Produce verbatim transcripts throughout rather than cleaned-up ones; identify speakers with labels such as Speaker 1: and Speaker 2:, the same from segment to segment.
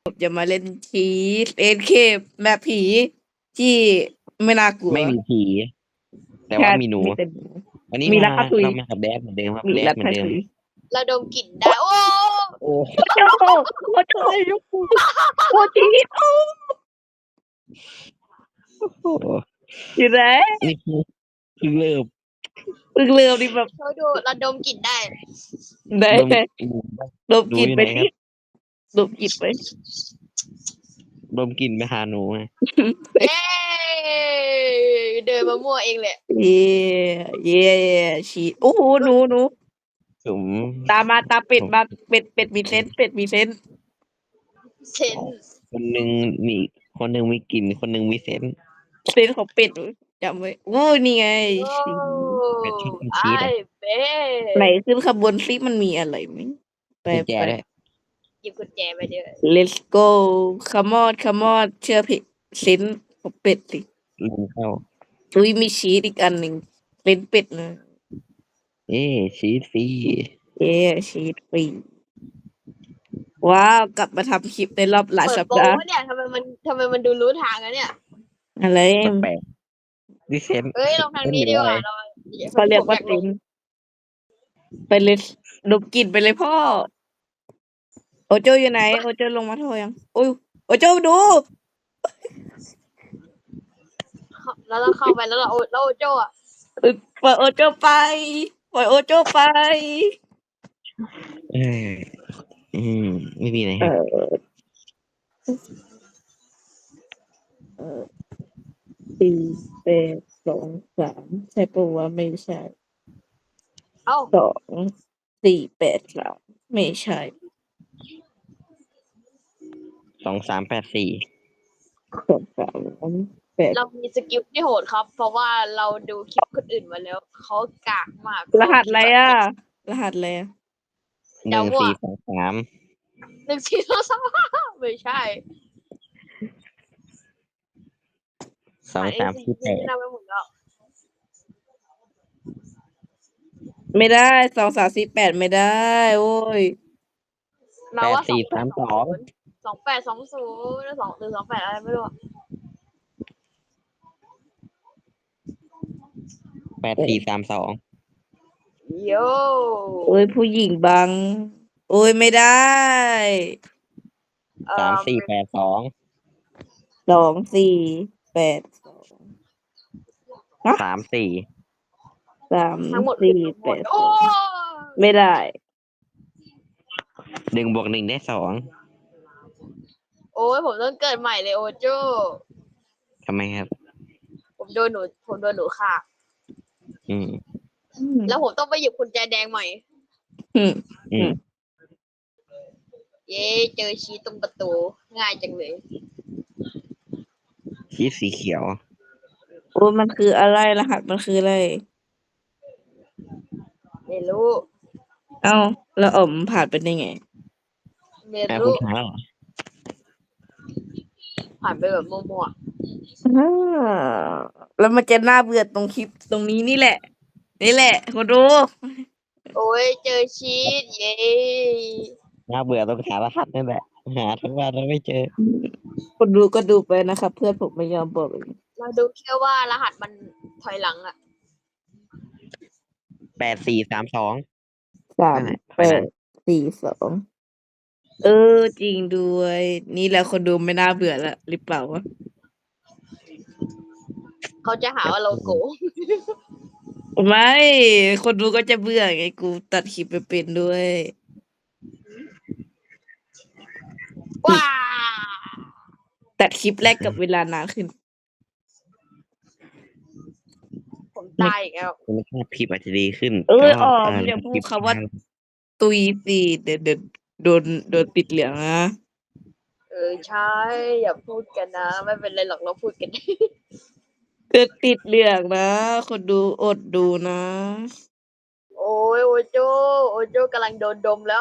Speaker 1: ผมจะมาเล่นชีสเอ็นเคแบบผีที่ไม่น่ากลัว
Speaker 2: ไม่มีผี แต่
Speaker 1: แค่
Speaker 2: ว่ามีหนู
Speaker 1: มีแต่หนู
Speaker 2: วันนี้
Speaker 1: มี
Speaker 2: มา
Speaker 1: รักทุย
Speaker 2: เรามากับแดดเหมือนเดิมครับ
Speaker 1: มี
Speaker 2: แดด
Speaker 1: รัก
Speaker 2: เหมือนเดิม
Speaker 1: ทุย
Speaker 3: เราดมกลิ่นได้ โอ้
Speaker 2: โอ้
Speaker 1: โอ้โหโอ้โหโอ้ชีสโอ้
Speaker 2: โห
Speaker 1: อยู่ไหน
Speaker 2: นี่คือคือเริ่ม
Speaker 1: เพิ่งเริ่มนี่แบบ
Speaker 3: เราดูเราดมกลิ่นได้
Speaker 1: ไหน
Speaker 2: ดม
Speaker 1: ไหน
Speaker 2: ดู
Speaker 1: ดมกลิ่น
Speaker 2: อยู่
Speaker 1: ไป
Speaker 2: ไหนค
Speaker 1: สิ
Speaker 2: รับ
Speaker 1: ดมกลิ่นไป
Speaker 2: ดมกลิ่นไปหาหนูไง
Speaker 3: เย้เดินมามั่วเองแหละ
Speaker 1: เย่เย่ชีสโอ้โหหนูหนู
Speaker 2: ผม
Speaker 1: ตามมาตามเป็ดมาเป็ดเป็ดมีเซนส์เป็ดมีเซนส์
Speaker 3: เซนส์
Speaker 2: คนหนึ่งมีคนหนึ่งมีกลิ่นคนหนึ่งมีเซนส์
Speaker 1: เซนส์ของเป็ดจำไว้โอ้นี่ไง
Speaker 3: โอ้
Speaker 1: ชีส
Speaker 2: เป็นชุดเป็น
Speaker 3: ไอ
Speaker 2: ชีสอะ
Speaker 3: เบ้
Speaker 1: ไหนขึ้นขบวนซิมันมีอะไรไหมไป
Speaker 2: กุญแจ
Speaker 1: ไป
Speaker 2: ด้วย
Speaker 3: หยิบกุญแจไปเด้อ
Speaker 1: let's go come on come on เชื่อผิดเซนส์ของเป็ดสิ
Speaker 2: ลืมเข้า
Speaker 1: อุ้ยมีชีสอีกอันหนึ่งเป็นเป็ดนะ
Speaker 2: เอ๊ะชีสฟรี
Speaker 1: เย้ชีสฟรีว้าวกลับมาทำคลิปในรอบหลาย
Speaker 3: เปิด
Speaker 1: สัป
Speaker 3: โปร
Speaker 1: ดาห์
Speaker 3: วะเนี่ยทำไมมันทำไมมันดูรู้ทางอะเนี่ย
Speaker 1: อะไร
Speaker 2: แปลกๆดิเซน
Speaker 3: เอ้ยลงทางนี้ดีกว่าเรา
Speaker 1: เขาเรียกว่า
Speaker 3: ผม
Speaker 1: เซ
Speaker 3: ล
Speaker 1: น
Speaker 3: ง
Speaker 1: ส์ไปเลยดมกลิ่นไปเลยพ่อ โอโจอยู่ไหน โอโจลงมาโทรยังโอ้ยโอโจดู
Speaker 3: แล้วเราเข้าไปแล้วเราโอแล้วโอโจ้อะ
Speaker 1: เอ้ยปล่อยโอโจไปปล่อยโอโจไป
Speaker 2: เอออืมไม่มีไหน
Speaker 1: เอ
Speaker 2: ครับ
Speaker 1: อเออสี่แปดสองสามใช่ปะวะไม่ใช่
Speaker 3: เอ้า
Speaker 1: สองสี่แปดสามไม่ใช่
Speaker 2: สองสามแปดสี่
Speaker 1: สองสามแปด
Speaker 3: เรามีสกิลที่โหดครับ เพราะว่าเราดูคลิปคนอื่นมาแล้วเขากากมาก
Speaker 1: รหัสอะไรอ่ะ รหัสอะไรอ่ะ
Speaker 2: หนึ่งสี่สองสาม
Speaker 3: หนึ่งสี่สองสามไม่ใช่
Speaker 2: สองสามสี่แปด
Speaker 3: เราไปหมดแล้ว
Speaker 1: ไม่ได้สองสามสี่แปดไม่ได้ โอ้ย
Speaker 3: เรา
Speaker 2: แปด
Speaker 3: ว่า
Speaker 2: สี่สามสอง
Speaker 3: สองแปดสองศูนย์สองหรือสองแปดอะไรไม่รู้อะ
Speaker 2: แปดสี่สามสอง
Speaker 3: โย่
Speaker 1: โอ้ยผู้หญิงบัง โอ้ยไม่ได้
Speaker 3: เอ่อ
Speaker 2: สามสี่แปดสอง
Speaker 1: สองสี่แปดสอง
Speaker 2: สามสี่
Speaker 1: สาม
Speaker 3: ทั้งหมด
Speaker 1: สี่
Speaker 3: ทั้งห
Speaker 1: แป
Speaker 3: มด
Speaker 1: ดส
Speaker 3: โอ้
Speaker 1: องไม่ได้
Speaker 2: หนึ่งบวกหนึ่งได้สอง
Speaker 3: โอ้ยผมต้องเกิดใหม่เลยโอโจ้
Speaker 2: ทำไมครับ
Speaker 3: ผมโดนหนูผมโดนหนูค่ะ
Speaker 2: อืม
Speaker 3: แล้วผมต้องไปหยิบกุญแจแดงใหม่
Speaker 1: อืม
Speaker 2: อืม
Speaker 3: เย้เจอชี้ตรงประตูง่ายจังเลย
Speaker 2: ชีสสีเขียว
Speaker 1: โอ้ยมันคืออะไรรหัสมันคืออะไร
Speaker 3: ไม่รู้
Speaker 1: เอ้าแล้วอ๋อมผ่านไปได้ไง
Speaker 3: ไม่
Speaker 2: อ่ะคุ
Speaker 3: รู้
Speaker 2: ณถามแล้วเหรอ
Speaker 3: ผ่านไปแบบมั่ว
Speaker 1: อ่าแล้วมันจะน่าเบื่อตรงคลิปตรงนี้นี่แหละ นี่แหละคุณดู
Speaker 3: ๆโอ้ยเจอชีสเย้
Speaker 2: น่าเบื่อต้องหารหัสนั่นแหละ หาทั้งวันแล้วไม่เจอ
Speaker 1: คุณดูก็ดูไปนะครับ เพื่อนผมไม่ยอมบอกเอง
Speaker 3: เราดูแค่ว่ารหัสมันถอยหลังอะ
Speaker 2: แปดสี่สามสอง
Speaker 1: สาม
Speaker 2: นั่นแหละ
Speaker 1: แปดสี่สองเออจริงด้วย นี่แหละคนดูไม่น่าเบื่อละหรือเปล่าวะ
Speaker 3: เขาจะหาว่าเราโกง
Speaker 1: ไม่ คนดูก็จะเบื่อไงกูตัดคลิปไปเป็นด้วย
Speaker 3: ว้า
Speaker 1: ตัดคลิปแรกกับเวลานานขึ้น
Speaker 3: ผมตายอีกแล้ว
Speaker 2: คุณภาพคลิปอาจจะดีขึ้น
Speaker 1: เอ้ย
Speaker 2: แต่
Speaker 1: อ๋อ
Speaker 2: เ
Speaker 1: อย่าพูด
Speaker 2: ลิป
Speaker 1: คำว่า ตุยสิเดี๋ยวเดี๋ยวโดนโดนติดเหลืองนะ
Speaker 3: เออใช่อย่าพูดกันนะ ไม่เป็นไรหรอกเราพูดกัน
Speaker 1: เกิดติดเหลืองนะ คนดูอดดูนะ
Speaker 3: โอ้ยโอโจโอโจกำลังโดนดมแล้ว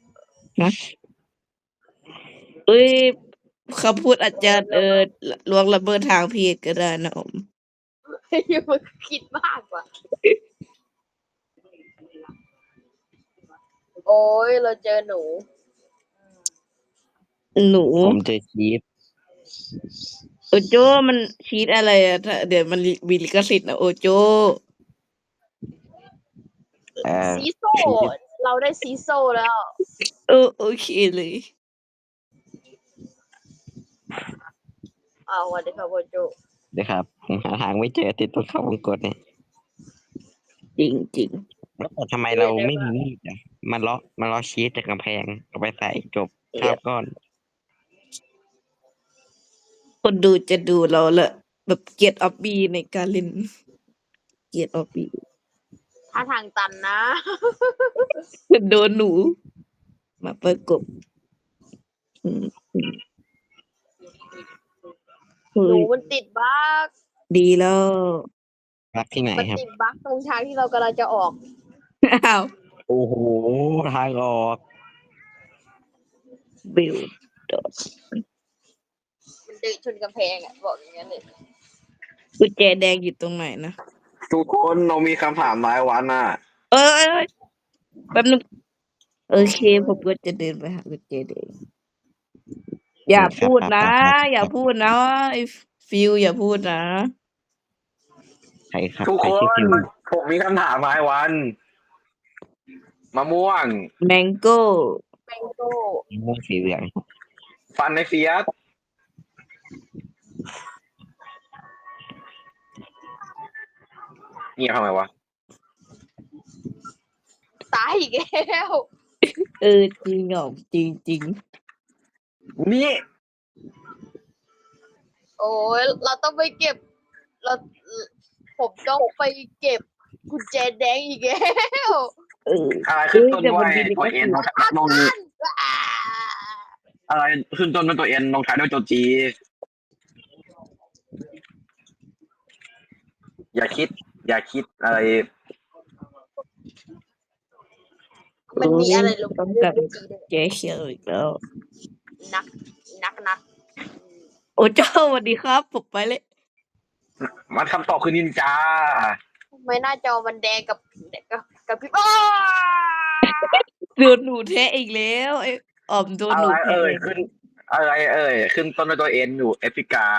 Speaker 1: เอ้ยคำพูดอาจจะเออล่วงละเมิดทางเพศก็ได้นะอม
Speaker 3: มันคิดมากกว่า โอ้ยเราเจอหนู
Speaker 1: หนู
Speaker 2: ผมเจอชีฟ
Speaker 1: โอโจมันชีตอะไรอะถ้าเดี๋ยวมันมีลิขสิทธิ์นะโอโจ
Speaker 2: เอ่อ
Speaker 3: ซีโซ่ เราได้ซีโซ่แล้ว
Speaker 1: เออโอเคเลย
Speaker 3: อ้าวสวัสดีครับโอโจ
Speaker 2: นะครับผมหาทางไม่เจอติดตัวเข้าวงกตเนี่ย
Speaker 1: จริงจริง
Speaker 2: แล้วแต่ทำไมเราไม่มีมีดอ่ะมันเลาะมันเลาะชีสจากกำแพงเอาไปใส่จบข้าวก้อน
Speaker 1: คนดูจะดูเราละแบบเกียรติออฟบีในการเล่นเกียรติออฟบี
Speaker 3: ถ้าทางตันนะ
Speaker 1: โดนหนู มาประกบอืมอืมเฮ้
Speaker 3: หนู
Speaker 1: ย
Speaker 3: มันติดบั๊ก
Speaker 1: ดีแล้ว
Speaker 2: รักที่ไหน
Speaker 3: มัน
Speaker 2: ครับ
Speaker 3: ติดบั๊กตรงทางที่เรากำลังจะออก
Speaker 1: อ้าว
Speaker 2: โอ้โหทางออก
Speaker 1: บิลดอ
Speaker 3: มันดึงชนกำแพงอ่ะบอกอย่างนั้นเลย
Speaker 1: กุญแจแดงอยู่ตรงไหนนะ
Speaker 4: ทุกคนเรามีคำถามรายวันน่ะ
Speaker 1: เอ้ยเอ้ยแป๊บนึงโอเคผมก็จะเดินไปหากุญแจแดงอย่าพูดนะ อย่าพูดนะไอ้ฟิวอย่าพูดนะ
Speaker 2: ใครครับ
Speaker 4: ทุก
Speaker 2: ใคร
Speaker 4: ค
Speaker 2: ชื่อน ฟิว
Speaker 4: ผมมีคำถามรายวัน มะม่วง
Speaker 1: แมงโก้
Speaker 3: แมงโก้
Speaker 2: ม่วงสีเหลือง
Speaker 4: ฟันในเฟียสเงียบทำไมวะ
Speaker 3: ตายอีกแล้ว
Speaker 1: เออจริงเหรอจริงจริง
Speaker 4: นี่
Speaker 3: โอ้ยเราต้องไปเก็บ เรา ผมต้องไปเก็บกุญแจแดงอีกแล้ว
Speaker 1: เออ
Speaker 4: อะไรขึ้นต้น
Speaker 1: เฮ้ยแต่
Speaker 4: ด้
Speaker 1: มั
Speaker 4: วน ย
Speaker 1: มีลิข
Speaker 4: ตัว
Speaker 1: สิ
Speaker 4: เอ็
Speaker 1: ท
Speaker 4: น
Speaker 1: ธิ์
Speaker 4: ลงลง
Speaker 3: อ่า
Speaker 4: อะไรขึ้นต้นเป็นตัวเอ็นลงท้ายด้วยตัวจีอย่าคิด อย่าคิดอะไร
Speaker 3: มันมีอะไรลง
Speaker 1: ต้อง
Speaker 3: ด้วย
Speaker 1: กลับ
Speaker 3: ตัวจีด้วย
Speaker 1: แกเขียวอีกแล้ว
Speaker 3: นัก นักนัก
Speaker 1: โอ้เจ้าสวัสดีครับผมไปเลย
Speaker 4: มันคำตอบคือนินจา
Speaker 3: ทำไมหน้าจอมันแดงกับกับกับพี่อ้า
Speaker 1: โดนหนูแทะอีกแล้วไอ้ออมโดน
Speaker 4: อะ
Speaker 1: หนู
Speaker 4: ไร
Speaker 1: แทะ
Speaker 4: เอ่ยขึ้น อะไรเอ่ยขึ้นต้นด้วยตัวเอ็นอยู่แอฟริกา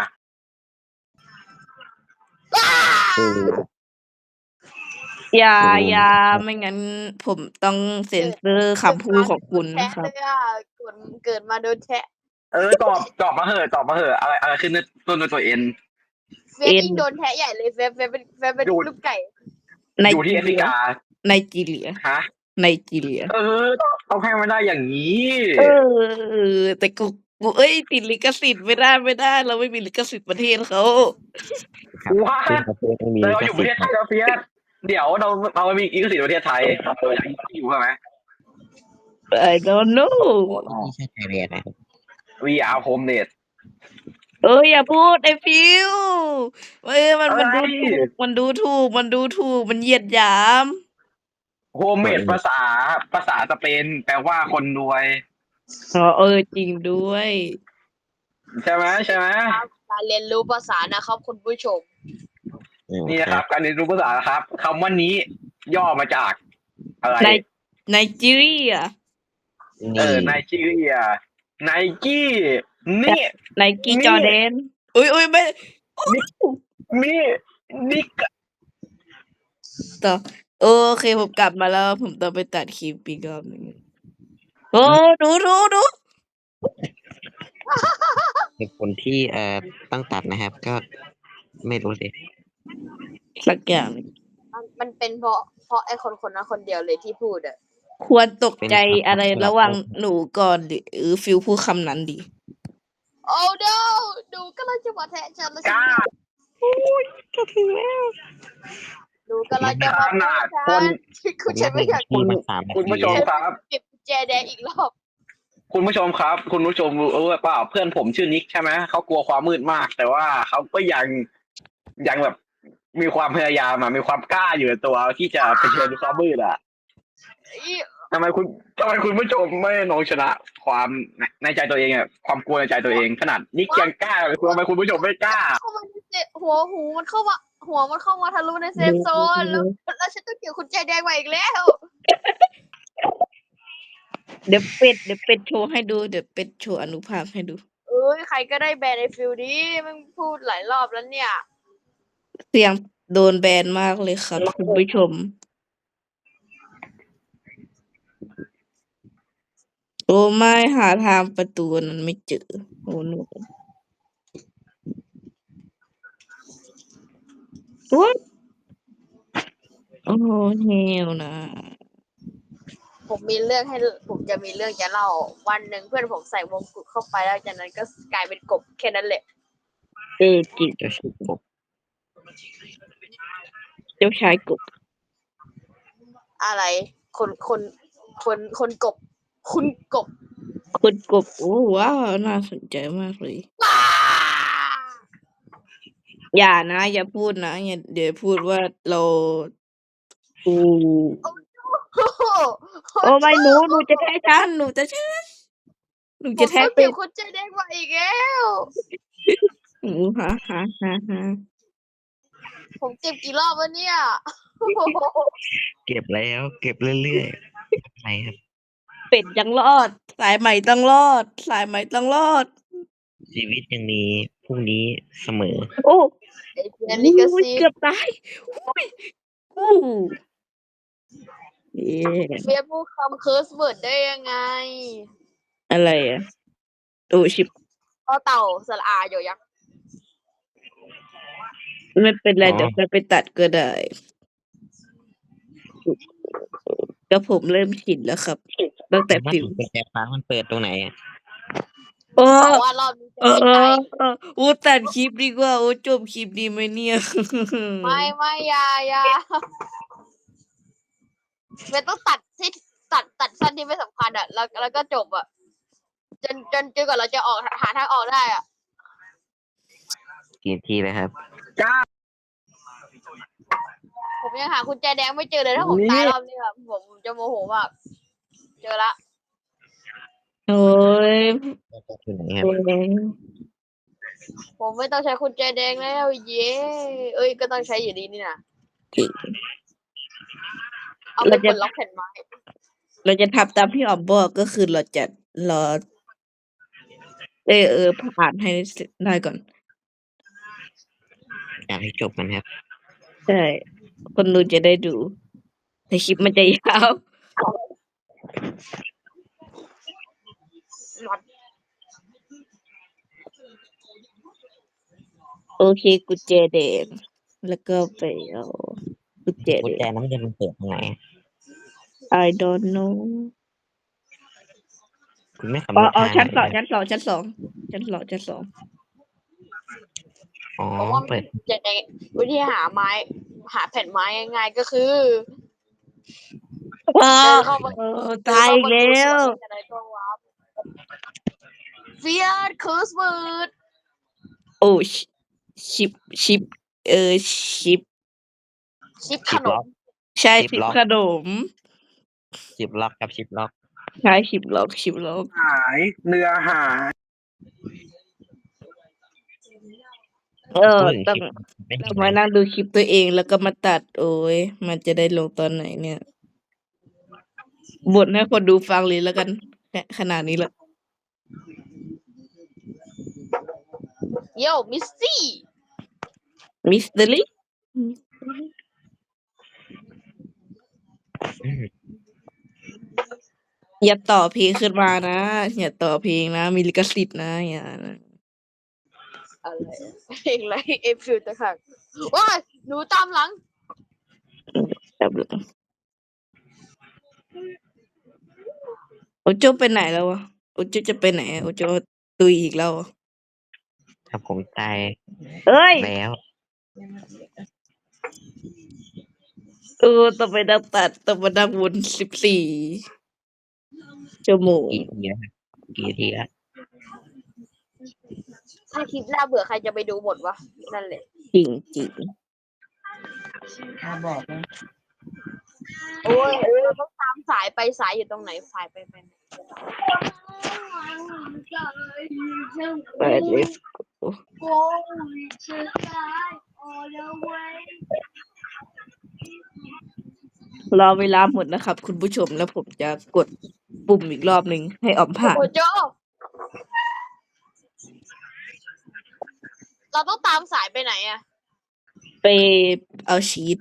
Speaker 2: เออ
Speaker 1: อย่า
Speaker 2: โอ้
Speaker 1: อย่าไม่งั้น ผมต้องเซ็นเซอร์คำพูดของคุณ
Speaker 3: แทะ
Speaker 1: นะครับ
Speaker 3: เลยอ่ะเกิดเกิดมาโดนแทะ
Speaker 4: เออตอบตอบมาเหอะตอบมาเหอะอะไรอะไรขึ้นต้นด้วยตัวเอ็น
Speaker 3: เฟซยิ่งโดนแทะใหญ่เลยเฟซเฟซเป็นเฟซเป็น
Speaker 4: ดูด
Speaker 3: ลูกไก่
Speaker 1: ใน
Speaker 4: อยู่ที่
Speaker 1: จี
Speaker 4: แอฟริ
Speaker 1: เรีย
Speaker 4: กา
Speaker 1: ในจีเรีย
Speaker 4: ฮะ
Speaker 1: ในจีเรีย
Speaker 4: เออต้องต้องให้มันได้อย่างนี้
Speaker 1: เออเออแต่กูกูเอ้ยติดลิขสิทธิ์ไม่ได้ไม่ได้ เราไม่มีลิขสิทธิ์ประเทศเขา
Speaker 2: ครับ
Speaker 4: ว้า
Speaker 2: เป็นประเทศต้องมี
Speaker 4: แต่
Speaker 2: ลิ
Speaker 4: เรา
Speaker 2: ข
Speaker 4: อยู่ป
Speaker 2: สิ
Speaker 4: ระ
Speaker 2: ท
Speaker 4: เทศ
Speaker 2: ธิ์
Speaker 4: ไทยเราเฟียสเดี๋ยวเราเราไม่มีลิขสิทธิ์ประเทศไทยเราอยากอยู่ใช่ไหม
Speaker 1: I don't know
Speaker 2: ไม่ใช่ไทยแลนด์นะครับ
Speaker 4: วีอาร์โฮมเน็ต
Speaker 1: เอออย่าพูดไอ้ฟิวเออมันมัน
Speaker 4: อะไร
Speaker 1: ดูถูกมันดูถูกมันดูถูกมันเหยียดหยาม
Speaker 4: โฮมเมดภาษาภาษาสเปนแปลว่าคนรวย
Speaker 1: อ๋อเออจริงด้วย
Speaker 4: ใช่ไหมใช่ไหม
Speaker 3: ครับการเรียนรู้ภาษานะครับคุณผู้ชม
Speaker 2: อืม
Speaker 4: นี่นะครับ การเรียนรู้ภาษาครับคำว่านี้ย่อมาจากอะไร
Speaker 1: ในไนจีเรีย
Speaker 4: เอ
Speaker 2: นี่
Speaker 4: อไนจีเรียไนกี้นี่
Speaker 1: ไนกี้
Speaker 4: นี่
Speaker 1: จอแดนอุ้ยอุ้ยไม่
Speaker 4: นี่นี่
Speaker 1: ต่อโอเคผมกลับมาแล้ว ผมต้องไปตัดคลิปอีกรอบหนึงโอ้ดูดูดู
Speaker 2: เหตุผลที่เอ่อต้องตัดนะครับ ก็ไม่รู้สิ
Speaker 1: สักอย่างหนึ่ง
Speaker 3: มันมันเป็นเพราะเพราะไอ้คนคนนั้นคนเดียวเลยที่พูดอ่ะ
Speaker 1: ควรตกใจอะไรระหว่างหนูก่อนหรือฟิลพูดคำนั้นดี
Speaker 3: โอ้ no ดูกำลังจะมาแทะฉันแล้ว
Speaker 4: กล้า
Speaker 1: ก็ถึงแล้ว
Speaker 3: ดูกำลังจะมา
Speaker 4: ขนาด
Speaker 3: แทะ
Speaker 4: คน
Speaker 3: ฉันคุณฉันไม่อยาก
Speaker 2: ที่มาสามนา
Speaker 4: คุณ
Speaker 2: ที
Speaker 4: ผู้ชมครับ
Speaker 3: เก็บกุญแจแดงอีกรอบ
Speaker 4: คุณผู้ชมครับ คุณผู้ชมรู้หรือเปล่าเพื่อนผมชื่อนิกใช่ไหมเขากลัวความมืดมาก แต่ว่าเขาก็ยังยังแบบมีความพยายามอะมีความกล้าอยู่ในตัวที่จะเผชิญความมืดอ่ะ
Speaker 3: อี
Speaker 4: ทำไมคุณทำไมคุณผู้ชมไม่ลองชนะความในในใจตัวเองอ่ะความกลัวในใจตัวเองขนาดนิกยังกล้าเลยคุณทำไมคุณผู้ชมไม่กล้า
Speaker 3: เข้ามาในเซฟหัวหูมันเข้ามาหัวมันเข้ามาทะลุในเซฟโซนแล้วแล้วฉันต้องเกี่ยวกุญแจแดงมาอีกแล้ว
Speaker 1: เดี๋ยวเป็ดเดี๋ยวเป็ดโชว์ให้ดูเดี๋ยวเป็ดโชว์อนุภาพให้ดู
Speaker 3: เอ้ยใครก็ได้แบนไอ้ฟิลนี้มึงพูดหลายรอบแล้วเนี่ย
Speaker 1: เสียงโดนแบนมากเลยครับคุณผู้ชม โอ้ไม่หาทางประตูนั้นไม่เจอโอ้หนูโอ้โอ้เฮลนะ
Speaker 3: ผมมีเรื่องให้ผมจะมีเรื่องจะเล่าวันหนึ่งเพื่อนผมใส่วงกุฎเข้าไปแล้วจากนั้นก็กลายเป็นกบแค่นั้นแหละ
Speaker 1: เออจริง
Speaker 2: เจ้าชูกบ
Speaker 1: เจ้าชายกบ
Speaker 3: อะไร คนคนคนคนกบ คุณกบ
Speaker 1: คุณกบโอ้ว้าวน่าสนใจมากเลย
Speaker 3: ว้า
Speaker 1: อย่านะ อย่าพูดนะอย่าเดี๋ยวพูดว่าเราอู
Speaker 3: โอ้โห
Speaker 1: โอ้ไม่หนูหนูจะแท้ฉันหนูจะแท้หนู
Speaker 3: ผม
Speaker 1: จะแท้
Speaker 3: ต้อง
Speaker 1: เป็
Speaker 3: เก็บ
Speaker 1: ด
Speaker 3: คนใจแดงมาอีกแล้ว
Speaker 1: หนูฮะฮะฮะฮะ
Speaker 3: ผมเก็บกี่รอบวะเนี่ย
Speaker 2: เก็บแล้ว เก็บเรื่อยๆไหนครับ
Speaker 1: เป็ดยังรอด สายใหม่ต้องรอด สายใหม่ต้องรอด
Speaker 2: ชีวิตยังมีพรุ่งนี้เสมอ
Speaker 1: โอ้
Speaker 3: ไอ้เพียนี่ก็
Speaker 1: อุ้ย
Speaker 3: ซี
Speaker 1: เกือบตายอุ้ยอู้เย่
Speaker 3: เฟียพูดคำเคิร์สเวิร์ดได้ยังไง
Speaker 1: อะไรอ่ะโอ้ชิบ
Speaker 3: ต่อเต่าสระอาอยู่ยักษ์
Speaker 1: ไม่เป็นไร
Speaker 2: อ๋อ
Speaker 1: เดี๋ยวจะไปตัดก็ได้ก็ผมเริ่มชินแล้วครับ ตั้งแต่
Speaker 2: มา
Speaker 1: ฟิว
Speaker 2: ถึงกุญแจฟ้ามันเปิดตรงไหนอะ
Speaker 1: โอ้
Speaker 3: แต่ว่ารอบนี้จะ
Speaker 1: เออ
Speaker 3: ไม่
Speaker 1: เอ
Speaker 3: ไกล
Speaker 1: อเออโอ้ตัดคลิปดีกว่า โอ้จบคลิปดีไหมเนี่ย
Speaker 3: ไม่ไม่อยาอยาเฟียต้องตัดที่ตัดตัดสั้นที่ไม่สำคัญอ่ะ แล้วแล้วก็จบอ่ะ จนจนจนกว่าเราจะออกหาทางออกได้อ่ะ
Speaker 2: กี่ทีเลยครับ
Speaker 3: ผมยังหาคุณแจแดงไม่เจอเลยถ้าผมตายรอบนี้แบบผมจะโมโหมาก เจอละ
Speaker 1: โอ้ย
Speaker 2: อยู่ไหนครับ
Speaker 1: โอ้ย
Speaker 3: ผมไม่ต้องใช้คุณแจแดงแล้วเย้เอ้ยก็ต้องใช้อยู่ดีนี่นะ
Speaker 1: จริง
Speaker 3: เอาไปกดล็อกแผ่นไม้
Speaker 1: เราจะทำตามที่ออมบอกก็คือเราจะรอเออเออผ่านให้ได้ก่อน
Speaker 2: อยากให้จบมันครับ
Speaker 1: ใช่ คนดูจะได้ดู แต่คลิปมันจะยาว โอเคกุญแจแดงแล้วก็ไปเอากุญแจ
Speaker 2: กุญ
Speaker 1: แด
Speaker 2: แจ
Speaker 1: ง
Speaker 2: นั้นมันจะมันเปิดตรงไหน
Speaker 1: I don't know
Speaker 2: คุณไม่ขับ
Speaker 1: อ๋อ
Speaker 2: รถ
Speaker 1: อ๋อ
Speaker 2: ทาง
Speaker 1: ชั้น
Speaker 2: ไหน
Speaker 1: สองชั้นสองชั้นสองชั้นสองชั้นสอง
Speaker 2: อ๋อ
Speaker 3: ผมว่า
Speaker 2: เปิด
Speaker 3: แจแดงวิธีหาไม้ หาแผ่นไม้ง่ายๆก็คือ
Speaker 1: ว้า
Speaker 3: เดิ
Speaker 1: วน
Speaker 3: เข้ามา
Speaker 1: เออตายอีกแล้ว
Speaker 3: เฟียดคูสเวิร์ด
Speaker 1: โอ้ชิชิปชิป เออชิป
Speaker 3: ชิปข
Speaker 2: ชิป
Speaker 3: น
Speaker 2: ล็อ
Speaker 3: ม
Speaker 2: ก
Speaker 1: ใช่
Speaker 2: ชิ
Speaker 1: ชิ
Speaker 2: ป
Speaker 1: ป
Speaker 2: ล็อก
Speaker 1: ขนม
Speaker 2: ชิปล็อกครับชิปล็อก
Speaker 1: ใช่ชิปล็อกชิปล็อก
Speaker 4: หายเรือหาย
Speaker 1: เออ
Speaker 2: พูดถึง
Speaker 1: ต้อง
Speaker 2: ชิปไม่
Speaker 1: ต้
Speaker 2: เห็
Speaker 1: อง
Speaker 2: นไหม
Speaker 1: มานั่งดูคลิปตัวเองแล้วก็มาตัด โอ้ยมันจะได้ลงตอนไหนเนี่ยบ่นให้คนดูฟังเลยแล้วกันแค่ขนาดนี้ละ
Speaker 3: โยมิสซี่
Speaker 1: มิสเตอรี่
Speaker 2: อืม
Speaker 1: อย่าต่อเพลงขึ้นมานะ อย่าต่อเพลงนะ มีลิขสิทธิ์นะอย่านะ
Speaker 3: อะไรเพลงอะไรเอฟฟิลตะขักว้ายหนูตามหลัง
Speaker 1: แบบโอโจไปไหนแล้ววะโอโจจะไปไหนอะโอโจตุยอีกแล้วอะ
Speaker 2: ถ้าผมตาย
Speaker 1: เอ้ย
Speaker 2: แล้ว
Speaker 1: เออต้องไปนั่งตัดต้องมานั่งวนสิบสี่ชั่วโมง
Speaker 2: กี่ทีแล้วครับกี่ทีแล้ว
Speaker 3: ถ้าคลิปหน้าเบื่อใครจะไปดูหมดวะ นั่นแหละ
Speaker 1: จริงจริง
Speaker 5: บอกนะ
Speaker 3: โอ้ยเราต้องตามสายไปสายอยู่ตรงไหนสายไปไปไหน
Speaker 1: ไปเลยรอเวลาหมดนะครับ คุณผู้ชมแล้วผมจะกดปุ่มอีกรอบหนึ่งให้ออมผ่าน
Speaker 3: โอโจเราต้องตามสายไปไหนอะ
Speaker 1: ไปเอาชีต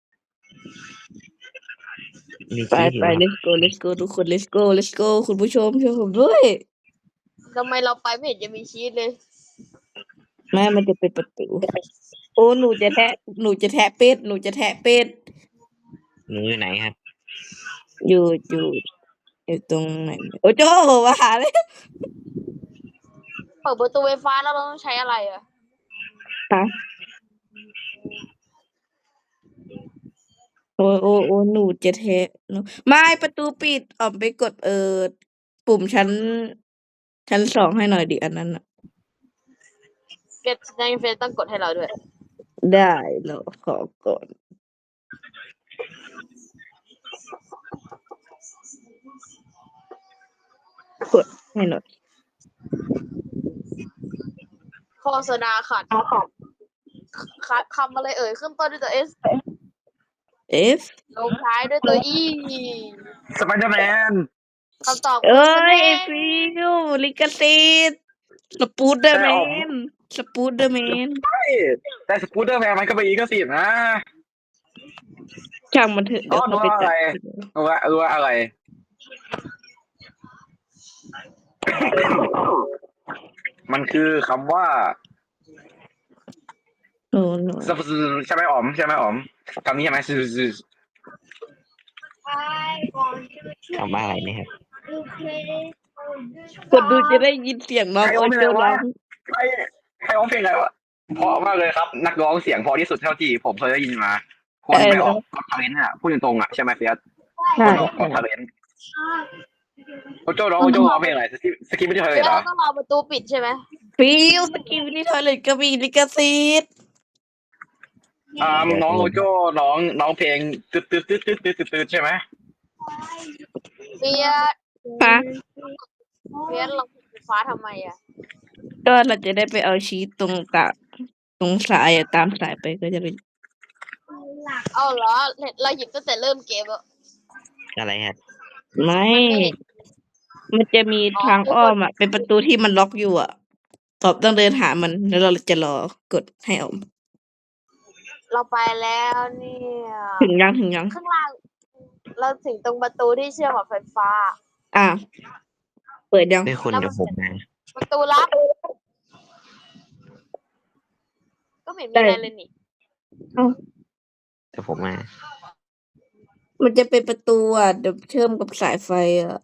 Speaker 2: มี
Speaker 1: ไป
Speaker 2: ชีสอยู่
Speaker 1: ไป
Speaker 2: ครับ
Speaker 1: let's go let's go ทุกคน let's go let's go คุณผู้ชมช่วยผมด้วย
Speaker 3: ทำไมเราไปไม่เห็นจะมีชีสเลย
Speaker 1: แม่มันจะเป็นประตู โอ้หนูจะแทะหนูจะแทะเป็ดหนูจะแทะเป็ด
Speaker 2: หนูอยู่ไหนครับ
Speaker 1: อยู่อยู่อยู่ตรงไหนโอ้โจมาหาเลย
Speaker 3: เปิดประตูไฟฟ้าแล้วเราต้องใช้อะไรอะ
Speaker 1: ฮะโอ้โอ้โอ้หนูจะแทะหนูไม่ประตูปิดออกไปกดเออปุ่มชั้น ชั้นสองให้หน่อยดิอันนั้นน่ะ
Speaker 3: เฟซในเฟซต้องกดให้เราด้วย
Speaker 1: ได้เราขอก่อน กดให้หน่อย
Speaker 3: โฆษณาขาดขาดคำอะไรเอ่ยขึ้นต้นด้วยตัว S
Speaker 1: F
Speaker 3: ลงท้ายด้วยตัว E
Speaker 4: สไปเดอร์แมน
Speaker 3: คำตอบ
Speaker 1: เอ้
Speaker 3: คื
Speaker 1: ย
Speaker 3: อ
Speaker 1: ไอฟิวลิขสิทธิ์สปูดเดอร์แม
Speaker 4: แต่ออก
Speaker 1: นสปูดเดอร์แมน
Speaker 4: ใช่แต่สกูตเตอร์แมนมันก็เป็นอีกก็สินะ
Speaker 1: ช่างมันเถอะเดี๋ยว
Speaker 4: อ๋อ
Speaker 1: เขาไป
Speaker 4: รู้อะไร
Speaker 1: ตัด
Speaker 4: รู้ว่ารู้ว่าอะไร มันคือคำว่า
Speaker 1: โอ้โห
Speaker 4: ใช่ไหมอ๋อมใช่ไหมอ๋อมคำนี้ใช่ไหมซื้อซื้อ
Speaker 2: คำว่าอะไรนะครับ
Speaker 1: กดดูจะได้ยินเสียงน้องโอโจร้อง
Speaker 4: ใครใครร้องเพลงอะไรวะเพราะมากเลยครับ นักร้องเสียงเพอที่สุดเท่าที่ผมเคยได้ยินมา คนไปออกก็ทาเลนต์อ่ะพูดตรงๆอ่ะใช่ไหมเฟียส
Speaker 1: ใช่
Speaker 4: คนออกก็ทาเลนต์โอโจ้ร้องโอโจ้ร้องเพลงอะไรสกิปสกิปไม่ได้เคย
Speaker 3: เดี๋ยว
Speaker 4: เหรอ
Speaker 3: เราต้องรอประตูปิดใช่ไหม
Speaker 1: ฟิวสกิลนี่ทอยเลยก็มีลิขสิทธิ์
Speaker 4: อ่าน้องโอโจ้ร้องร้องเพลงตึ๊ดตึ๊ดตึ๊ดตึ๊ดตึ๊ดตึ๊ดตึ๊ดใช่ไหม
Speaker 3: เฟียส
Speaker 1: ฮะ
Speaker 3: เฟียสลงไฟฟ้าทำไมอะ
Speaker 1: ก็เราจะได้ไปเอาชีตตรงกะตรงสายอะตามสายไปก็จะเป็น
Speaker 3: เอาเหรอเราหยิบตั้งแต่เริ่มเกมแล้ว
Speaker 2: อะไรครับ
Speaker 1: ไม่
Speaker 3: มันไม่เห็น
Speaker 1: มันจะมีทางอ้อมอ่ะเป็นประตูที่มันล็อกอยู่อ่ะตอบต้องเดินหามันแล้วเราจะรอกดให้ออก
Speaker 3: เราไปแล้วเนี่ย
Speaker 1: ถึงยังถึงยัง
Speaker 3: ข้างล่าง เราถึงตรงประตูที่เชื่อมกับไฟฟ้า
Speaker 1: อ่ะเปิดยัง
Speaker 2: ด้วยคนเดี๋ยวผมมา
Speaker 3: ประตูลับ ก็ไม่เห็นมีอะไรเลยนี่
Speaker 2: เดี๋ยวผมมา
Speaker 1: มันจะเป็นประตูอ่ะเดี๋ยวเชื่อมกับสายไฟอ่ะ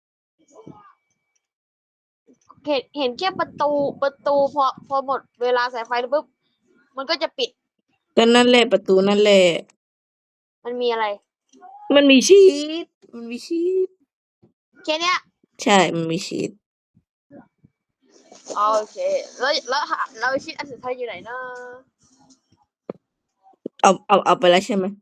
Speaker 3: เห็นเห็นแค่ประตูประตูพอพอหมดเวลาสายไฟแล้วปุ๊บมันก็จะปิด
Speaker 1: ก็นั่นแหละประตูนั่นแหละ
Speaker 3: มันมีอะไร
Speaker 1: มันมีชีตมันมีชีต
Speaker 3: แค่เนี้ย
Speaker 1: ใช่มันมีชีต
Speaker 3: อ๋อโอเค แล้วแล้วหาเราชิดอันสุดท้ายอยู่ไหนนะ
Speaker 1: เอาเอาเอาไปแล้วใช่ไหม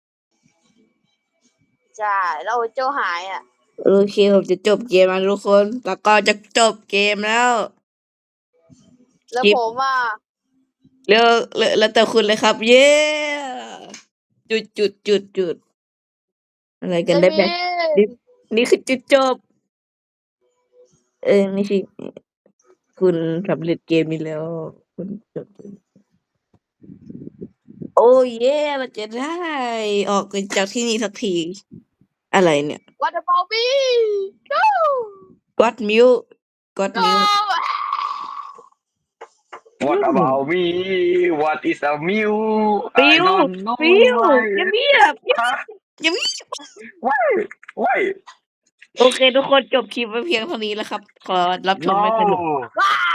Speaker 3: ใช่แล้วโอโจหายอ่ะ
Speaker 1: โอเคผมจะจบเกมแล้วทุกคนแล้วก็จะจบเกมแล้ว
Speaker 3: แล้ว
Speaker 1: จิ๊บ
Speaker 3: ผมอ่ะ
Speaker 1: เร็วเร็วแล้วแต่คุณเลยครับ เย้จุดจุดจุดจุดอะไรกันได้ไหม
Speaker 3: มี
Speaker 1: นี่คือจุดจบ เออนี่คือคุณสำเร็จเกมนี้แล้ว คุณจบ โอ้เย่เราจะได้ ออกจากที่นี่สักที อะไรเนี่ย
Speaker 3: วัตถุบอลบี้ go
Speaker 1: กอดมิวกอด
Speaker 3: go
Speaker 1: มิว
Speaker 4: What about me What is a mew
Speaker 1: ฟิ
Speaker 4: I
Speaker 1: ว
Speaker 4: don't know
Speaker 1: ฟิว
Speaker 4: why
Speaker 1: อย่าเงียบ
Speaker 4: ฮะ
Speaker 1: อย่าเงียบ
Speaker 4: Why Why
Speaker 1: โอเค ทุกคนจบคลิปไว้เพียงเท่านี้แล้วครับ ขอรับชม
Speaker 4: No
Speaker 1: ไม่สนุก
Speaker 3: ว้า